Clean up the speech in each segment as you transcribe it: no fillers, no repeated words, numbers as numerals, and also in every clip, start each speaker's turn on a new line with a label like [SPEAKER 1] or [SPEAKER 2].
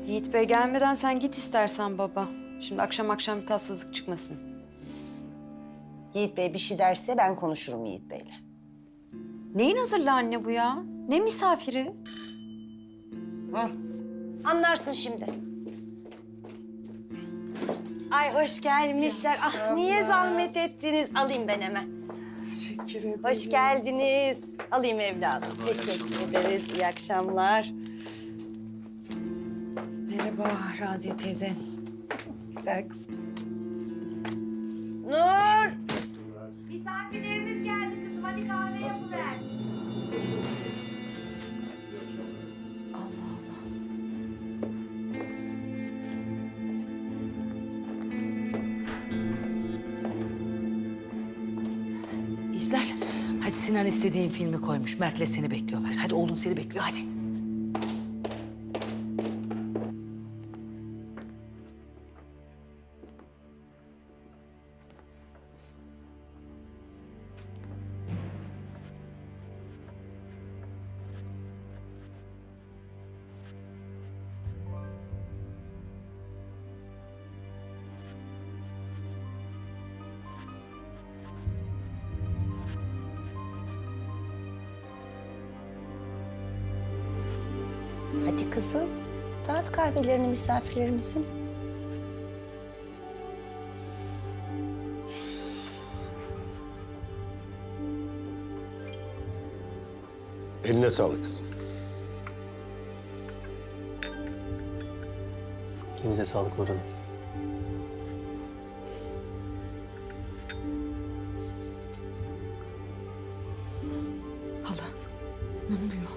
[SPEAKER 1] Yiğit Bey gelmeden sen git istersen baba. Şimdi akşam akşam bir tatsızlık çıkmasın.
[SPEAKER 2] Yiğit Bey bir şey derse ben konuşurum Yiğit Bey'le.
[SPEAKER 1] Neyin hazırlı anne bu ya? Ne misafiri?
[SPEAKER 2] Hı. Anlarsın şimdi. Ay hoş gelmişler. Ah niye zahmet ettiniz? Alayım ben hemen.
[SPEAKER 3] Teşekkür ederim.
[SPEAKER 2] Hoş geldiniz. Alayım evladım. Teşekkür ederiz. İyi akşamlar.
[SPEAKER 1] Merhaba Raziye teyze.
[SPEAKER 3] Güzel kızım.
[SPEAKER 2] Nur!
[SPEAKER 4] Misafirlerimiz geldi kızım. Hadi kahve yapıver.
[SPEAKER 5] İzler. Hadi Sinan istediğin filmi koymuş. Mert'le seni bekliyorlar. Hadi oğlum seni bekliyor hadi.
[SPEAKER 2] Hadi kızım. Dağıt kahvelerini misafirlerimizin.
[SPEAKER 6] Eline sağlık kızım.
[SPEAKER 7] Elinize sağlık Nur Hanım.
[SPEAKER 5] Hala ne oluyor?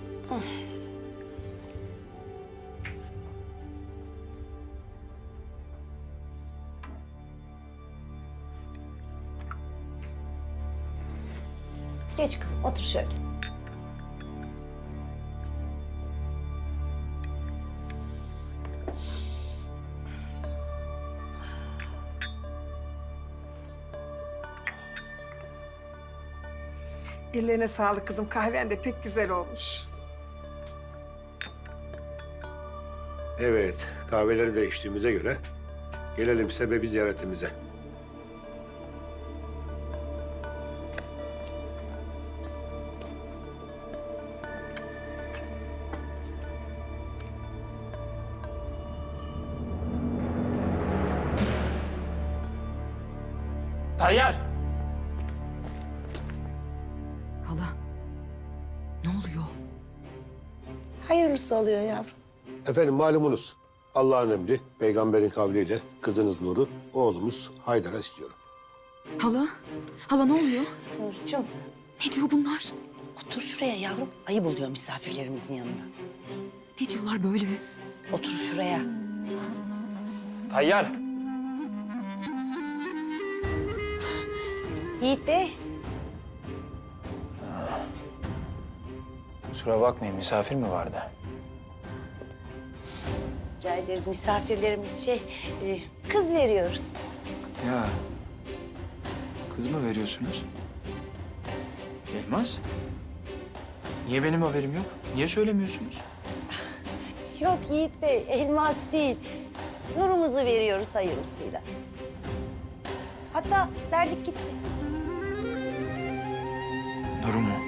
[SPEAKER 2] Geç kızım otur şöyle.
[SPEAKER 3] Ellerine sağlık kızım. Kahven de pek güzel olmuş.
[SPEAKER 6] Evet, kahveleri de içtiğimize göre gelelim sebebi ziyaretimize.
[SPEAKER 7] Tayyar!
[SPEAKER 5] Hala ne oluyor?
[SPEAKER 2] Hayırlısı oluyor yavrum.
[SPEAKER 6] Efendim malumunuz Allah'ın emri, peygamberin kavliyle kızınız Nur'u, oğlumuz Haydar'a istiyorum.
[SPEAKER 5] Hala ne oluyor?
[SPEAKER 2] Nurcuğum
[SPEAKER 5] Ne diyor bunlar?
[SPEAKER 2] otur şuraya yavrum. Ayıp oluyor misafirlerimizin yanında.
[SPEAKER 5] Ne diyorlar böyle?
[SPEAKER 2] Otur şuraya.
[SPEAKER 7] Tayyar!
[SPEAKER 2] Yiğit Bey.
[SPEAKER 7] Kusura bakmayın misafir mi vardı?
[SPEAKER 2] Rica ederiz misafirlerimiz kız veriyoruz.
[SPEAKER 7] Ya kız mı veriyorsunuz? Elmas? Niye benim haberim yok? Niye söylemiyorsunuz?
[SPEAKER 2] Yok Yiğit Bey elmas değil. Nurumuzu veriyoruz hayırlısıyla. Hatta verdik gitti.
[SPEAKER 7] Nur'u mu?